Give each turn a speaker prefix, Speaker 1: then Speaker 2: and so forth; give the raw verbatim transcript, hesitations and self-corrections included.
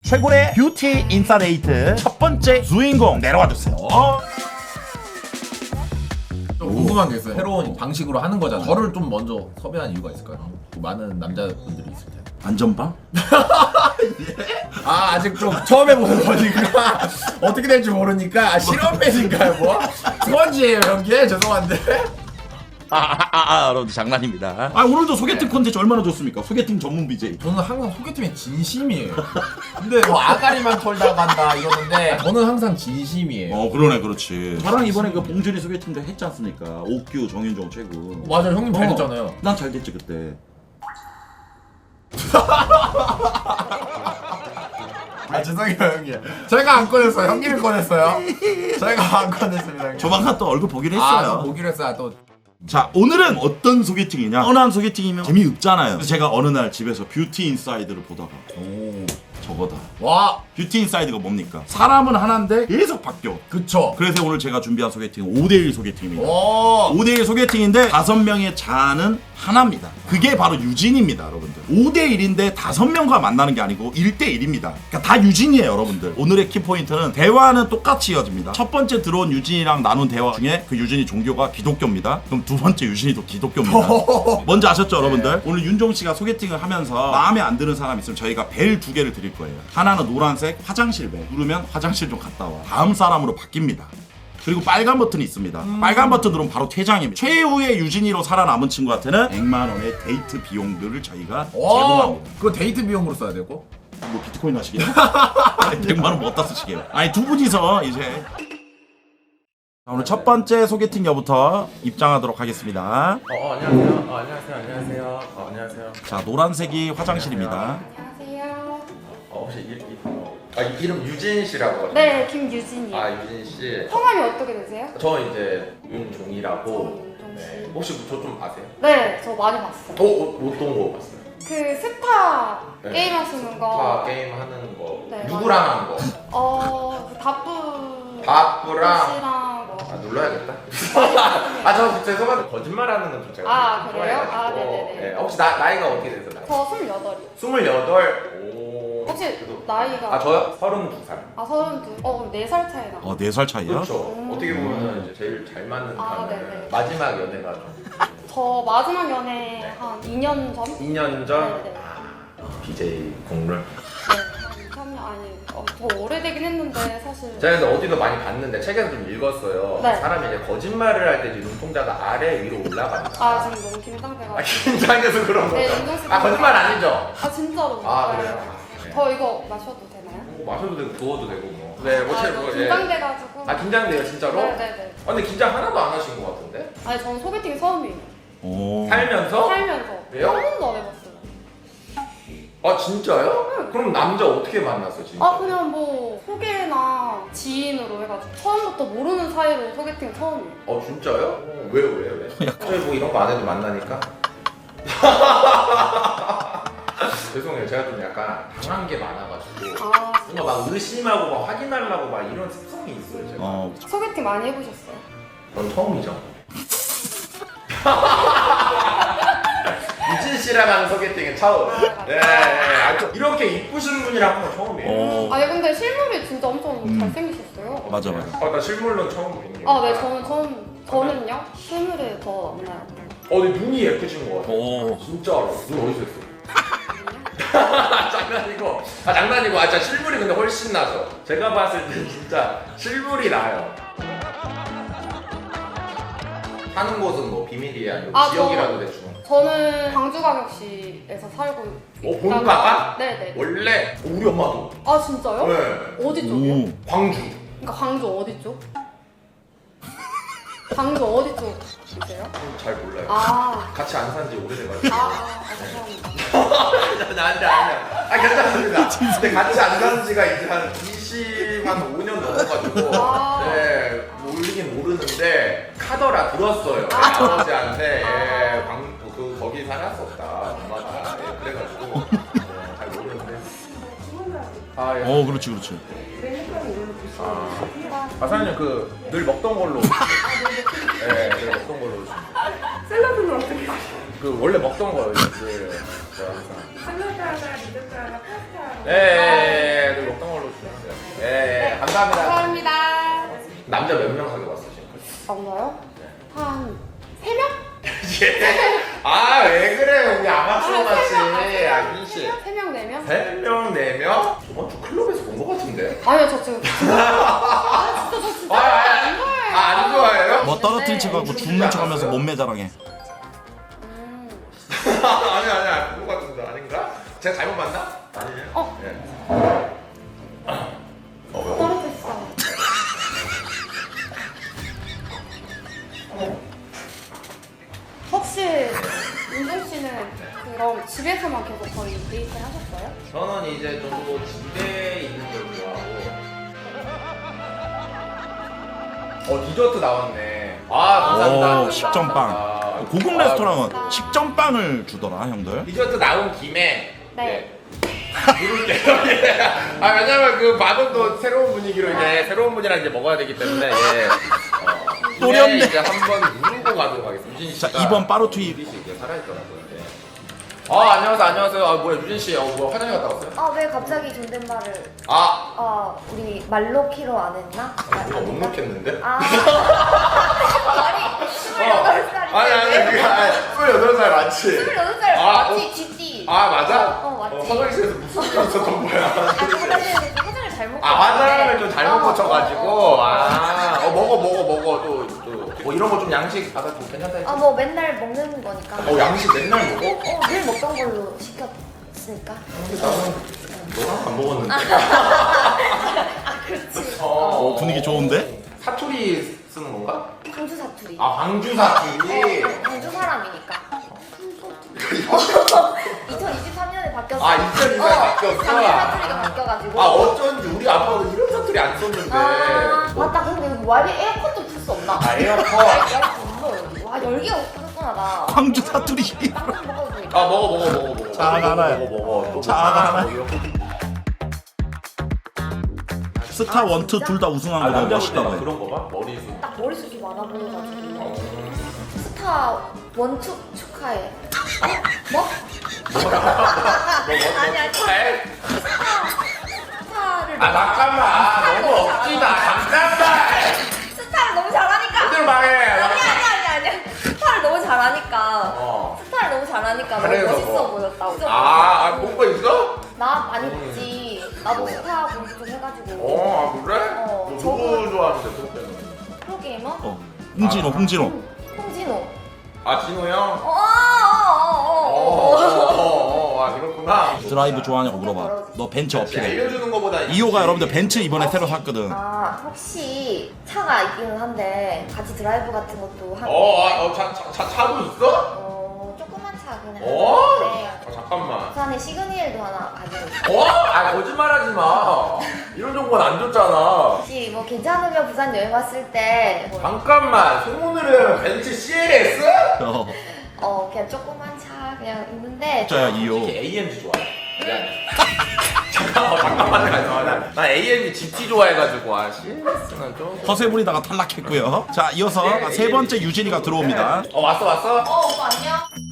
Speaker 1: 최고의 뷰티 인사이트 첫 번째 주인공 내려와 주세요.
Speaker 2: 좀 궁금한 게 있어요. 새로운 방식으로 하는 거잖아요. 저를 좀 먼저 섭외한 이유가 있을까요? 많은 남자분들이 있을 텐데.
Speaker 1: 안전방?
Speaker 2: 아 아직 좀 처음 해보는 거니까 어떻게 될지 모르니까 아, 실험맨인가요 뭐? 스펀지예요 연기에? 죄송한데.
Speaker 1: 아아아 아, 아, 여러분들 장난입니다. 아 오늘도 소개팅 콘텐츠 얼마나 좋습니까? 소개팅 전문 비제이.
Speaker 2: 저는 항상 소개팅에 진심이에요. 근데 뭐 아가리만 털다 간다 이러는데 저는 항상 진심이에요.
Speaker 1: 어 그러네 그렇지. 저랑 이번에 그 봉준이 소개팅도 했지 않습니까? 옥규 정윤종 최고.
Speaker 2: 맞아요 형님 잘
Speaker 1: 어,
Speaker 2: 됐잖아요.
Speaker 1: 난 잘 됐지 그때.
Speaker 2: 아 죄송해요 형님. 제가 안 꺼냈어요. 형님이 꺼냈어요. 제가 안 꺼냈습니다. 형님.
Speaker 1: 조만간 또 얼굴 보기로
Speaker 2: 아,
Speaker 1: 했어요.
Speaker 2: 또 보기로 했어요. 또
Speaker 1: 자 오늘은 어떤 소개팅이냐? 뻔한 소개팅이면 재미없잖아요. 그래서 제가 어느 날 집에서 뷰티 인사이드를 보다가
Speaker 2: 오.
Speaker 1: 저거다.
Speaker 2: 와
Speaker 1: 뷰티 인사이드가 뭡니까? 사람은 하나인데 계속 바뀌어.
Speaker 2: 그쵸.
Speaker 1: 그래서 오늘 제가 준비한 소개팅은 오 대일 소개팅입니다.
Speaker 2: 오.
Speaker 1: 오 대일 소개팅인데 다섯 명의 자아는 하나입니다. 그게 바로 유진입니다, 여러분들. 오 대일인데 다섯 명과 만나는 게 아니고 일 대일입니다. 그러니까 다 유진이에요, 여러분들. 오늘의 키포인트는 대화는 똑같이 이어집니다. 첫 번째 들어온 유진이랑 나눈 대화 중에 그 유진이 종교가 기독교입니다. 그럼 두 번째 유진이도 기독교입니다. 뭔지 아셨죠, 여러분들? 오늘 윤종 씨가 소개팅을 하면서 마음에 안 드는 사람 있으면 저희가 벨 두 개를 드릴 거예요. 하나는 노란색 화장실 벨. 누르면 화장실 좀 갔다 와. 다음 사람으로 바뀝니다. 그리고 빨간 버튼이 있습니다. 음. 빨간 버튼 누르면 바로 퇴장입니다. 최후의 유진이로 살아남은 친구한테는 백만 원의 데이트 비용들을 저희가 제공합니다.
Speaker 2: 그거 데이트 비용으로 써야 되고?
Speaker 1: 뭐 비트코인 하시게요? 백만 원 못 다 쓰시게요? 아니 두 분이서 이제 자, 오늘 첫 번째 소개팅 여부터 입장하도록 하겠습니다.
Speaker 3: 어, 어 안녕하세요. 어, 안녕하세요. 안녕하세요. 어, 안녕하세요.
Speaker 1: 자 노란색이 화장실입니다.
Speaker 4: 안녕하세요.
Speaker 3: 어, 혹시 이, 이, 어, 아, 이- 이름 유진 씨라고 하죠?
Speaker 4: 네, 김유진이요.
Speaker 3: 아, 유진 씨.
Speaker 4: 성함이 어떻게 되세요?
Speaker 3: 저 이제 윤종이라고.
Speaker 4: 윤종 씨.
Speaker 3: 네. 혹시 저 좀 아세요?
Speaker 4: 네, 저 많이 봤어요.
Speaker 3: 어, 어, 어떤 거 봤어요?
Speaker 4: 그 스타
Speaker 3: 네.
Speaker 4: 게임 하시는
Speaker 3: 다
Speaker 4: 거.
Speaker 3: 게임 하는 거.
Speaker 4: 네,
Speaker 3: 누구랑 하는 거?
Speaker 4: 어, 그 다뿌
Speaker 3: 바쁘랑.
Speaker 4: 씨랑 뭐.
Speaker 3: 아, 눌러야겠다. 아, 저 죄송한데 거짓말하는 건 좀 제가
Speaker 4: 아,
Speaker 3: 좀
Speaker 4: 그래요?
Speaker 3: 좋아해가지고.
Speaker 4: 아, 네네네.
Speaker 3: 네, 혹시 나, 나이가 어떻게 되세요? 나이?
Speaker 4: 저 스물여덟이요.
Speaker 3: 스물여덟. 오.
Speaker 4: 혹시
Speaker 3: 그래도-
Speaker 4: 나이가?
Speaker 3: 아, 저요? 서른두 살.
Speaker 4: 아, 서른둘. 어, 그럼 네 살 차이 나.
Speaker 1: 어 네 살 차이야?
Speaker 3: 그렇죠.
Speaker 4: 음.
Speaker 3: 어떻게 보면 이제 제일 잘 맞는
Speaker 4: 아,
Speaker 3: 가면
Speaker 4: 네네.
Speaker 3: 마지막 연애가 좀
Speaker 4: 저 마지막 연애 한 이 년 전?
Speaker 3: 이 년 전
Speaker 4: 네네.
Speaker 3: 아, 비제이 공룰.
Speaker 4: 네, 한 이, 삼 년 아니, 어, 더 오래되긴 했는데 사실.
Speaker 3: 제가 근데 어디도 많이 봤는데 책에서 좀 읽었어요.
Speaker 4: 네.
Speaker 3: 사람이 이제 거짓말을 할 때 눈동자가 아래 위로 올라간다.
Speaker 4: 아, 지금 너무 긴장돼가지고.
Speaker 3: 아, 긴장해서 그런 거죠?
Speaker 4: 네, 윤종 씨
Speaker 3: 아, 거짓말 아니죠?
Speaker 4: 아, 진짜로.
Speaker 3: 아,
Speaker 4: 네.
Speaker 3: 그래요? 네.
Speaker 4: 저 이거 마셔도 되나요?
Speaker 3: 뭐 마셔도 되고 부어도 되고 뭐. 네, 뭐
Speaker 4: 아,
Speaker 3: 제-
Speaker 4: 너무
Speaker 3: 뭐, 예.
Speaker 4: 긴장돼가지고.
Speaker 3: 아, 긴장돼요, 진짜로?
Speaker 4: 네네네.
Speaker 3: 아, 근데 긴장 하나도 안 하신 것 같은데?
Speaker 4: 아니, 저는 소개팅 처음이에요.
Speaker 1: 오.
Speaker 3: 살면서?
Speaker 4: 살면서.
Speaker 3: 왜요?
Speaker 4: 한 번도 안 해봤어요.
Speaker 3: 아, 진짜요? 그럼 남자 어떻게 만났어, 진짜?
Speaker 4: 아, 그냥 뭐, 소개나 지인으로 해가지고. 처음부터 모르는 사이로 소개팅 처음이에요.
Speaker 3: 어 진짜요? 어, 왜요 왜요 왜? 저희 뭐 이런 거 안 해도 만나니까. 죄송해요 제가 좀 약간 당한 게 많아가지고
Speaker 4: 아,
Speaker 3: 뭔가 막 의심하고 막 확인하려고 막 이런 습성이 있어요 제가.
Speaker 1: 어
Speaker 4: 소개팅 많이 해보셨어요?
Speaker 3: 전 처음이죠. 유진 씨랑 하는 소개팅은 처음. 네, 네. 아, 또 이렇게 이쁘신 분이랑 하는 건 처음이에요.
Speaker 1: 어.
Speaker 4: 아니, 근데 실물이 진짜 엄청
Speaker 1: 음.
Speaker 4: 잘생기셨어요.
Speaker 1: 맞아 맞아.
Speaker 3: 아, 나 실물로 처음 뵙네요.
Speaker 4: 아, 네, 저는 처음, 저는요? 실물이 더 낫나요?
Speaker 3: 어, 근데 눈이 예쁘신 것 같아요.
Speaker 1: 오.
Speaker 3: 진짜로. 눈 어디서 했어? 장난이고, 아 장난이고, 아 진짜 실물이 근데 훨씬 나죠. 제가 봤을 때 진짜 실물이 나요. 사는 곳은 뭐 비밀이야, 아니면
Speaker 4: 아,
Speaker 3: 지역이라도
Speaker 4: 저-
Speaker 3: 대충.
Speaker 4: 저는 광주광역시에서 살고
Speaker 3: 어, 본가가?
Speaker 4: 네네.
Speaker 3: 원래 우리 엄마도.
Speaker 4: 아, 진짜요?
Speaker 3: 네.
Speaker 4: 어디 쪽이요?
Speaker 1: 오.
Speaker 3: 광주.
Speaker 4: 그러니까 광주 어디 쪽? 광주 어디 쪽이세요?
Speaker 3: 잘 몰라요.
Speaker 4: 아,
Speaker 3: 같이 안 산 지 오래돼가지고.
Speaker 4: 아, 아, 죄송합니다.
Speaker 3: 아니 아니야. 아 괜찮습니다. 근데 같이 안 사는 지가 이제 한 이십 한 오 년 넘어가지고
Speaker 4: 아.
Speaker 3: 네 모르긴 모르는데 카더라 들었어요.
Speaker 4: 아.
Speaker 3: 아버지한테
Speaker 4: 아.
Speaker 3: 예, 광, 그 거기 살았었다 엄마가 예, 그래가지고 네, 잘 모르는데. 아 예.
Speaker 1: 어 그렇지 그렇지.
Speaker 3: 아, 아 사장님 그 늘 먹던 걸로. 네, 늘 먹던 걸로.
Speaker 5: 샐러드는 어떻게?
Speaker 3: 그 원래 먹던 거예요. 그 제가 항상.
Speaker 5: 샐러드 하나, 리조트 하나, 파스타 하나.
Speaker 3: 네, 늘 감사합니다.
Speaker 4: 감사합니다.
Speaker 3: 남자 몇 명 사귀어 봤어 지금?
Speaker 4: 남자요?
Speaker 3: 네.
Speaker 4: 한 세 명?
Speaker 3: 아 왜 그래 우리 아마추어
Speaker 4: 아,
Speaker 3: 같이.
Speaker 4: 세 명, 아, 세 명,
Speaker 3: 아 민씨.
Speaker 4: 세 명, 네 명?
Speaker 3: 세 명, 네 명? 저번 주 클럽에서 본 것 같은데.
Speaker 4: 아니요, 저 지금. 아, 진짜, 저 진짜.
Speaker 3: 아, 아,
Speaker 4: 안 좋아해요.
Speaker 3: 아, 안 좋아해요?
Speaker 1: 뭐 떨어뜨린 척하고 죽는 척하면서 몸매 자랑해.
Speaker 4: 음.
Speaker 3: 아니 아니 아니 본것 같은데 아닌가? 제가 잘못 봤나? 아니에요.
Speaker 4: 어.
Speaker 3: 예. 어, 왜?
Speaker 4: 떨어졌어. 혹시 윤종 씨는 그럼 집에서만 계속 거의 데이트 하셨어요?
Speaker 3: 저는 이제 좀 집에 있는 걸 좋아하고. 어 디저트 나왔네. 아 감사합니다.
Speaker 1: 오, 식전빵.
Speaker 3: 아,
Speaker 1: 고급
Speaker 3: 아,
Speaker 1: 레스토랑은 식전빵을 주더라 형들.
Speaker 3: 디저트 나온 김에
Speaker 4: 네.
Speaker 3: 누를게요. 예. 아 왜냐면 그 밥은 또 새로운 분위기로 이제 새로운 분이랑 이제 먹어야 되기 때문에 예. 어,
Speaker 1: 노렸네.
Speaker 3: 이제 한번 누르고 가도록 하겠습니다. 유진
Speaker 1: 자
Speaker 3: 씨가
Speaker 1: 이번 빠루투이
Speaker 3: 유진 씨 이제 살아있더라고요. 예. 아 안녕하세요 안녕하세요. 아 뭐야 유진 씨, 어 뭐 화장실 갔다 왔어요?
Speaker 6: 아 왜 갑자기 존댓말을
Speaker 3: 아
Speaker 6: 아 우리 말로키로 안 했나? 아,
Speaker 3: 이거 못 넣겠는데?
Speaker 6: 아 말이 스물여덟 살인데
Speaker 3: 아니 아니 그게 아니 스물여덟 살 맞지?
Speaker 6: 스물여덟 살
Speaker 3: 아,
Speaker 6: 맞지
Speaker 3: 어.
Speaker 6: 쥐띠
Speaker 3: 아 맞아?
Speaker 6: 어, 맞지.
Speaker 3: 화장실에서 무슨 일 있었던 거야?
Speaker 6: 아 화장실에서 화장을 잘못
Speaker 3: 아 화장을 좀 잘못
Speaker 6: 어,
Speaker 3: 고쳐가지고
Speaker 6: 어, 어.
Speaker 3: 아 어, 먹어 먹어 먹어 또 또 뭐 이런 거 좀 양식 받아 좀 괜찮다 했지?
Speaker 6: 아 뭐 맨날 먹는 거니까
Speaker 3: 어 양식 맨날 먹어?
Speaker 6: 어, 늘 먹던 걸로 시켰으니까
Speaker 3: 근데 나는 너랑 안 먹었는데
Speaker 6: 아 그렇지
Speaker 3: 어,
Speaker 1: 분위기 좋은데?
Speaker 3: 사투리 쓰는 건가?
Speaker 6: 광주 사투리
Speaker 3: 아 광주 사투리?
Speaker 6: 어, 광주 사람이니까 이천이십삼 년에 바뀌었어
Speaker 3: 아, 이천이십삼 년에 바뀌었어?
Speaker 6: 광주 사투리가 바뀌어가지고
Speaker 3: 아 어쩐지 우리 아빠는 이런 사투리 안 썼는데
Speaker 6: 아, 맞다. 근데 여기 와이비 에어컨 좀 풀 수 없나?
Speaker 3: 아 에어컨
Speaker 6: 에어컨. 와, 열기가 없구나, 나.
Speaker 1: 광주 사투리.
Speaker 6: 빵 먹어도 되니까.
Speaker 3: 아 먹어 먹어 먹어 먹어
Speaker 1: 자,
Speaker 3: 먹어,
Speaker 1: 하나요.
Speaker 3: 먹어 먹어 또
Speaker 1: 자,
Speaker 3: 먹어.
Speaker 1: 하나.
Speaker 3: 뭐 이런 거.
Speaker 1: 스타 원투 둘 다 우승한
Speaker 3: 아
Speaker 1: 거 너무
Speaker 3: 남자
Speaker 1: 멋있다고
Speaker 3: 막
Speaker 1: 해.
Speaker 3: 그런 거 봐? 머리숱
Speaker 6: 딱 머리숱이 많아 보여가지고.
Speaker 3: 어.
Speaker 6: 스타 원투 축하해. 뭐?
Speaker 3: 뭐,
Speaker 6: 아니, 아니.
Speaker 3: 축하해?
Speaker 6: 스타를.
Speaker 3: 아 잠깐만 너무 억지다 잠깐만
Speaker 6: 스타를 너무 잘하니까.
Speaker 3: 어디로 말해
Speaker 6: 아니, 아니, 아니, 아니. 스타를 너무 잘하니까.
Speaker 3: 어.
Speaker 6: 스타를 너무 잘하니까 너무
Speaker 3: 그래서
Speaker 6: 멋있어
Speaker 3: 뭐.
Speaker 6: 보였다고.
Speaker 3: 아, 아 본거 있어?
Speaker 6: 나 많이 봤지. 나도 스타 공부 좀 해가지고.
Speaker 3: 어, 아 그래?
Speaker 6: 어,
Speaker 3: 너
Speaker 6: 저거-
Speaker 3: 누구 좋아하는데 그때는?
Speaker 6: 프로게이머?
Speaker 1: 어. 홍진호 홍진호.
Speaker 6: 홍진호.
Speaker 3: 아 진호 형?
Speaker 6: 어, 어, 어, 어, 어.
Speaker 3: 어어어 아 그렇구나
Speaker 1: 드라이브 좋아하냐고 물어봐. 너 벤츠 어필해.
Speaker 3: 알려주는 거보다
Speaker 1: 이호가 여러분들 벤츠 이번에 새로 샀거든.
Speaker 6: 아, 혹시 차가 있기는 한데 같이 드라이브 같은 것도 하고.
Speaker 3: 어어차 차, 차, 차도 있어?
Speaker 6: 어, 조그만 차 그냥.
Speaker 3: 어?
Speaker 6: 네.
Speaker 3: 아, 잠깐만
Speaker 6: 부산에 시그니엘도 하나 가지고 있어.
Speaker 3: 어? 아 거짓말하지 마 이런 정보는 안 줬잖아
Speaker 6: 혹시 뭐 괜찮으면 부산 여행 왔을 때 뭐,
Speaker 3: 잠깐만 소문을 내면 벤츠 씨엘에스?
Speaker 1: 어.
Speaker 6: 어, 그냥 조그만 차 그냥 있는데
Speaker 1: 자야 이호.
Speaker 3: 특히 에이엠지 좋아해 미안해 잠깐만 잠깐만 잠깐만 나 에이엠지 지티 좋아해가지고 아 씨엘에스는 좀
Speaker 1: 허세 부리다가 탈락했고요. 자 이어서 세 번째 유진이가 들어옵니다.
Speaker 3: 어 왔어 왔어?
Speaker 6: 어, 오빠 안녕.